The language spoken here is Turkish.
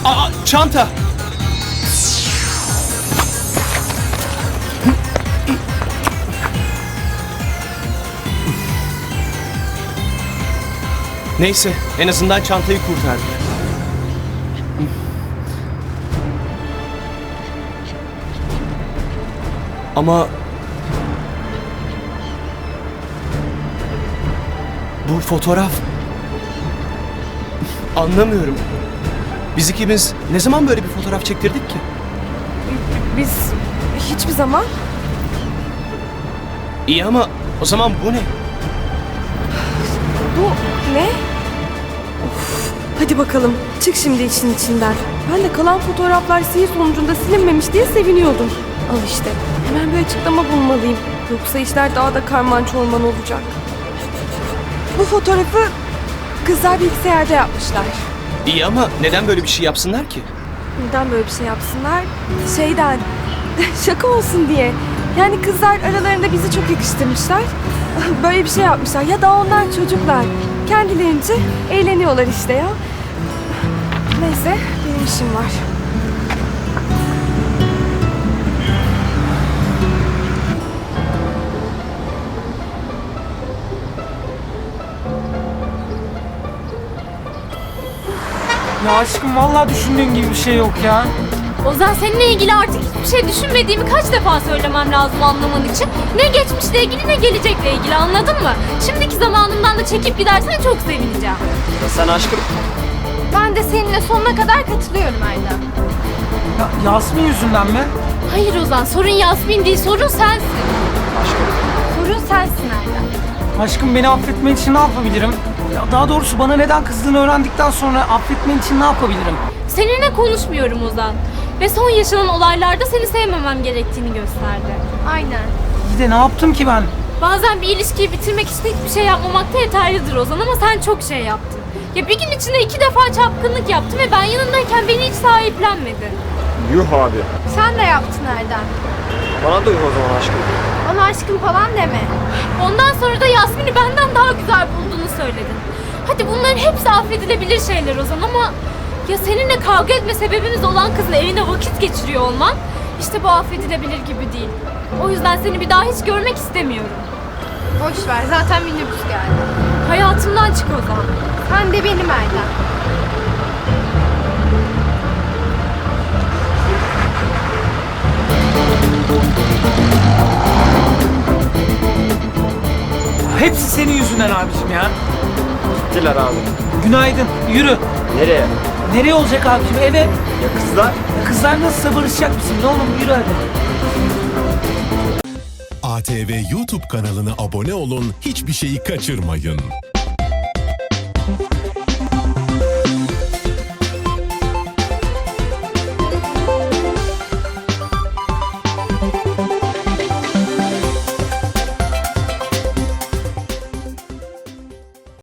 Aa, çanta. Neyse, en azından çantayı kurtardık. Ama bu fotoğraf, anlamıyorum. Biz ikimiz ne zaman böyle bir fotoğraf çektirdik ki? Biz hiçbir zaman. İyi ama o zaman bu ne? Bu ne? Of, hadi bakalım çık şimdi işin içinden. Ben de kalan fotoğraflar sihir sonucunda silinmemiş diye seviniyordum. Al işte hemen bir açıklama bulmalıyım. Yoksa işler daha da karman çorman olacak. Bu fotoğrafı kızlar bilgisayarda yapmışlar. İyi ama neden böyle bir şey yapsınlar ki? Neden böyle bir şey yapsınlar? Şeyden, şaka olsun diye. Yani kızlar aralarında bizi çok yakıştırmışlar. Böyle bir şey yapmışlar. Ya da onlar çocuklar. Kendilerince eğleniyorlar işte ya. Neyse, benim işim var. Ya aşkım vallahi düşündüğün gibi bir şey yok ya. Ozan, seninle ilgili artık hiçbir şey düşünmediğimi kaç defa söylemem lazım anlaman için. Ne geçmişle ilgili ne gelecekle ilgili, anladın mı? Şimdiki zamanımdan da çekip gidersen çok sevineceğim. Sen aşkım. Ben de seninle sonuna kadar katılıyorum Erdem. Ya Yasmin yüzünden mi? Hayır Ozan, sorun Yasmin değil, sorun sensin. Aşkım. Sorun sensin Erdem. Aşkım beni affetmen için ne yapabilirim? Ya daha doğrusu bana neden kızdığını öğrendikten sonra affetmen için ne yapabilirim? Seninle konuşmuyorum Ozan. Ve son yaşanan olaylarda seni sevmemem gerektiğini gösterdi. Aynen. İyi de ne yaptım ki ben? Bazen bir ilişkiyi bitirmek için hiçbir şey yapmamak da yeterlidir Ozan, ama sen çok şey yaptın. Ya bir gün içinde 2 defa çapkınlık yaptın ve ben yanındayken beni hiç sahiplenmedin. Yuh abi. Sen de yaptın Erdem. Bana da yuh o zaman aşkım. Bana aşkım falan deme. Ondan sonra da Yasmin'i benden daha güzel bulduğunu söyledin. Hadi bunların hepsi affedilebilir şeyler Ozan, ama ya seninle kavga etme sebebimiz olan kızın evine vakit geçiriyor olman, işte bu affedilebilir gibi değil. O yüzden seni bir daha hiç görmek istemiyorum. Boş ver, zaten minibüs geldi. Hayatımdan çık Ozan. Sen de benim Erdem. Hepsi senin yüzünden abicim ya. Gittiler abi. Günaydın. Yürü. Nereye? Nereye olacak abicim? Eve. Ya kızlar? Kızlar nasıl barışacak mısın? Ne oğlum yürü hadi. ATV YouTube kanalına abone olun, hiçbir şeyi kaçırmayın.